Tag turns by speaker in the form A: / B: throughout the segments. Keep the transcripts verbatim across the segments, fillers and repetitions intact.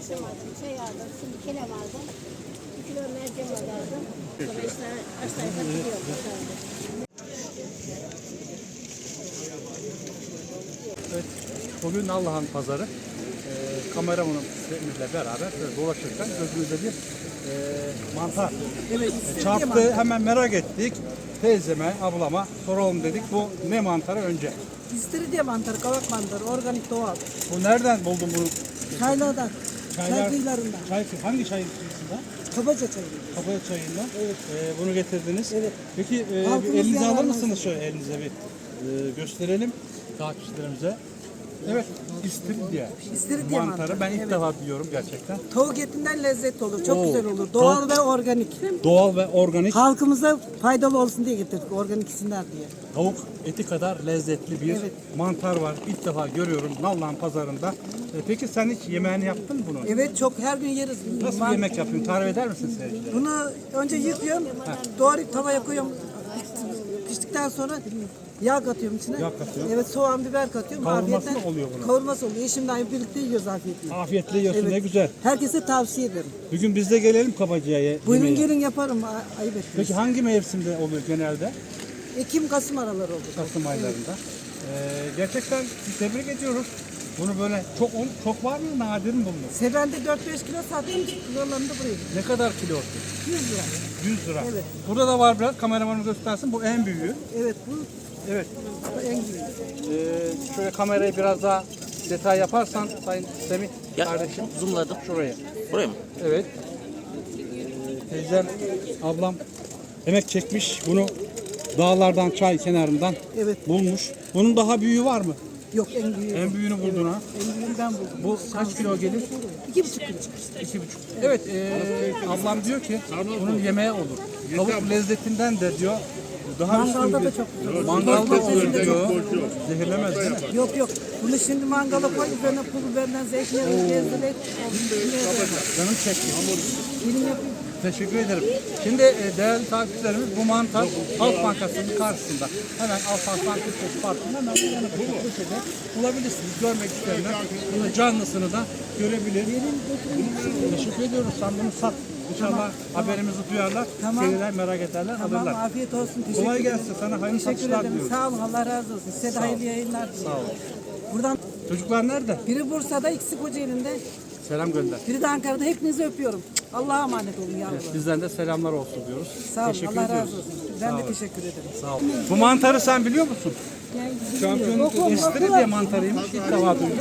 A: Haşlamadım, şey aldım, şimdi kelem aldım. Bir kilo mercimek aldım. Sonra işte haşlayıp atılıyorum.
B: Evet, bugün Nallıhan pazarı. Ee, kameramanımızla beraber böyle dolaşırken gözümüzde bir e, mantar
C: Evet,
B: e, çarptı. Hemen merak ettik. Teyzeme, ablama soralım dedik. Bu ne mantarı önce?
C: İstiridye mantarı, kavak mantarı, organik doğal.
B: Bu nereden buldun bunu?
C: Çaylardan,
B: Çaylar-
C: çay kıyılarından.
B: Çay, hangi çay kıyısında?
C: Kabaca çayı.
B: Kapaya çayından. Evet. Ee, bunu getirdiniz.
C: Evet.
B: Peki e,
C: Halkımız
B: bir elinize alır
C: yararlansın.
B: mısınız şöyle elinize bir e, gösterelim takipçilerimize. Evet, istiridye.
C: İstiridye
B: mantarı.
C: mantarı,
B: Ben ilk
C: evet.
B: defa diyorum gerçekten.
C: Tavuk etinden lezzetli olur, çok
B: Oo.
C: güzel olur. Doğal
B: Tavuk-
C: ve organik.
B: Doğal ve organik
C: Halkımıza faydalı olsun diye getirdik, organik isimler diye.
B: tavuk eti kadar lezzetli bir
C: Evet.
B: mantar var. İlk defa görüyorum Nallıhan pazarında. E, peki sen hiç yemeğini yaptın mı bunu?
C: Evet, çok her gün yeriz.
B: Nasıl bir
C: Man-
B: yemek yapıyorsun? Tarif eder misin seyircilere?
C: Bunu önce yıkıyorum, doğrayıp tavaya koyuyorum. Piştikten sonra yağ katıyorum içine.
B: Yağ katıyorsun.
C: Evet, soğan, biber katıyorum.
B: Kavurması
C: Afiyetle-
B: mı oluyor bunun?
C: Kavurması oluyor. Eşimle birlikte yiyoruz afiyetle.
B: Afiyetle yiyorsun,
C: Evet.
B: ne güzel.
C: Herkese tavsiye ederim.
B: Bugün biz de gelelim Kabacı'ya
C: Buyurun
B: yemeğe.
C: gelin yaparım, a- ayıp etmeyin.
B: Peki hangi mevsimde oluyor genelde?
C: Ekim, Kasım araları oldu.
B: Kasım aylarında. Ee, gerçekten tebrik ediyoruz. Bunu böyle çok çok var mı, nadir mi bulunuyor?
C: Sevende dört beş kilo sattım, kilolarında buraya.
B: Ne kadar kilosu?
C: yüz lira.
B: yüz lira.
C: Evet.
B: Burada da var biraz. Kameramanı göstersin. Bu en büyüğü.
C: Evet, bu
B: Evet.
C: en büyük.
B: Ee, şöyle kamerayı biraz daha detay yaparsan Sayın Semih
D: Ya,
B: kardeşim.
D: zoomladım.
B: Şuraya.
D: Buraya mı?
B: Evet. Ee, teyzem, ablam emek çekmiş. Bunu dağlardan, çay kenarından
C: Evet.
B: bulmuş. Bunun daha büyüğü var mı?
C: Yok, en büyüğü.
B: En büyüğünü buldun ha.
C: En büyüğünü ben buldum.
B: Bu kaç kilo gelir?
C: İki buçuk kilo.
B: İki buçuk. Evet, e, ablam diyor ki bunun yemeğe olur. Tavuk lezzetinden de diyor daha
C: Mangalda
B: üstün
C: da
B: bir-
C: çok güzel.
B: Mangalda
C: Mangalda
B: da diyor. Zehirlemez değil mi?
C: Yok yok. Bunu şimdi mangala koy, üzerine pul biberinden zeytinyağı gezdirek.
B: Canım çekti.
C: Dilim yapayım.
B: Teşekkür ederim. Şimdi e, değerli takipçilerimiz bu mantar Halk Bankası'nın karşısında. Hemen Halk Bankası Parkı'nın hemen yanı bu köşede bulabilirsiniz. Görmek isteyenler bunu canlısını da görebilir. Teşekkür ediyoruz. Sen bunu sat. İnşallah haberimizi duyarlar.
C: Tamam.
B: Gelirler, merak ederler,
C: Tamam,
B: alırlar.
C: afiyet olsun. Teşekkür
B: Kolay
C: ederim.
B: gelsin. Sana hayırlı
C: Teşekkür
B: satışlar
C: ederim.
B: diliyoruz.
C: Sağ olun. Allah razı olsun. Size de hayırlı yayınlar diliyorum.
B: Sağ olun.
C: Buradan
B: Çocuklar nerede?
C: biri Bursa'da, ikisi Kocaeli'nde,
B: Selam gönder.
C: biri de Ankara'da. Hepinizi öpüyorum. Allah'a emanet olun yavrular.
B: Bizden de selamlar olsun diyoruz.
C: Sağ olun.
B: Teşekkür
C: Allah
B: ediyoruz.
C: razı olsun. Ben
B: Sağ
C: de
B: olun.
C: teşekkür ederim.
B: Sağ olun. Bu mantarı sen biliyor musun? Şampiyonluk istiridye mantarıymış. İlk defa duydum.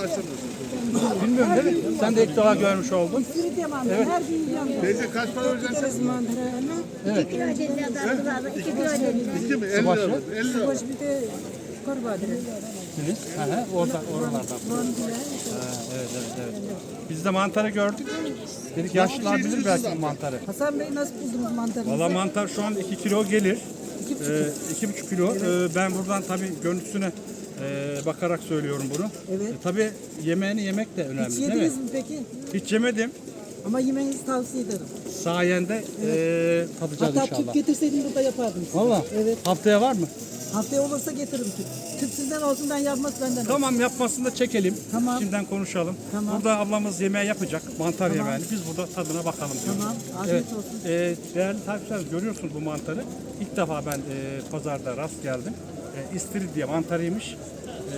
B: Bilmiyorum değil mi? Sen de ilk defa görmüş oldun.
C: İstiridye mantarı. Her gün yiyorum.
E: Teyze kaç para ödeyeceksin?
B: Evet.
A: iki kilo ödediler, lazım. iki kilo ödediler.
E: İki mi? elli lira.
B: Başı.
E: elli lira.
C: Boş bir de kurbağa direkt.
B: Siz? Hı hı, orada, oralardan. Ha, evet, evet, evet. Biz de mantarı gördük. Dedik yaşlılar bilir belki bu mantarı.
C: Hasan Bey nasıl buldunuz mantarınızı?
B: Valla mantar şu an iki kilo gelir.
C: İki buçuk.
B: Ee, iki buçuk kilo. Ee, ben buradan tabii görüntüsüne e, bakarak söylüyorum bunu.
C: Evet.
B: E, tabii yemeğini yemek de önemli
C: Hiç
B: değil mi?
C: yediniz mi peki?
B: Hiç yemedim.
C: Ama yemenizi tavsiye ederim.
B: Sayende e, tadacağız
C: Hatta
B: inşallah.
C: tüp getirseydin burada yapardım size.
B: Valla
C: Evet.
B: haftaya var mı?
C: Haftaya olursa getiririm tüp. Tüp sizden olsun, ben yapmaz benden olsun.
B: Tamam, yapmasını da çekelim.
C: Tamam.
B: Şimdiden konuşalım.
C: Tamam.
B: Burada ablamız yemeği yapacak. Mantar
C: Tamam.
B: yemeğini. Biz burada tadına bakalım diyoruz.
C: Tamam, afiyet
B: Evet.
C: olsun.
B: E, değerli takipçiler, görüyorsunuz bu mantarı. İlk defa ben e, pazarda rast geldim. E, istiridye mantarıymış. E,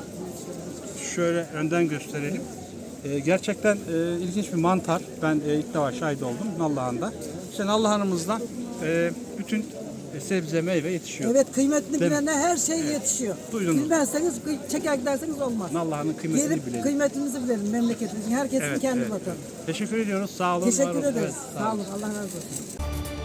B: şöyle önden gösterelim. E, gerçekten e, ilginç bir mantar. Ben e, ilk defa şahit oldum Nallıhan'da. İşte Nallıhan'ımızda e, bütün e, sebze meyve yetişiyor.
C: Evet, kıymetini
B: Değil mi?
C: bilene her şey yetişiyor.
B: Duydunuz.
C: Bilmezseniz, kıy- çeker giderseniz olmaz.
B: Nallıhan'ın kıymetini
C: Gelip
B: bilelim.
C: kıymetimizi bilelim memleketimizin. Herkesin
B: Evet,
C: kendi
B: evet,
C: vatanı.
B: evet. Teşekkür ediyoruz. Sağ olun. var
C: Teşekkür
B: olun.
C: ederiz.
B: Evet,
C: Sağ olun. Allah razı olsun.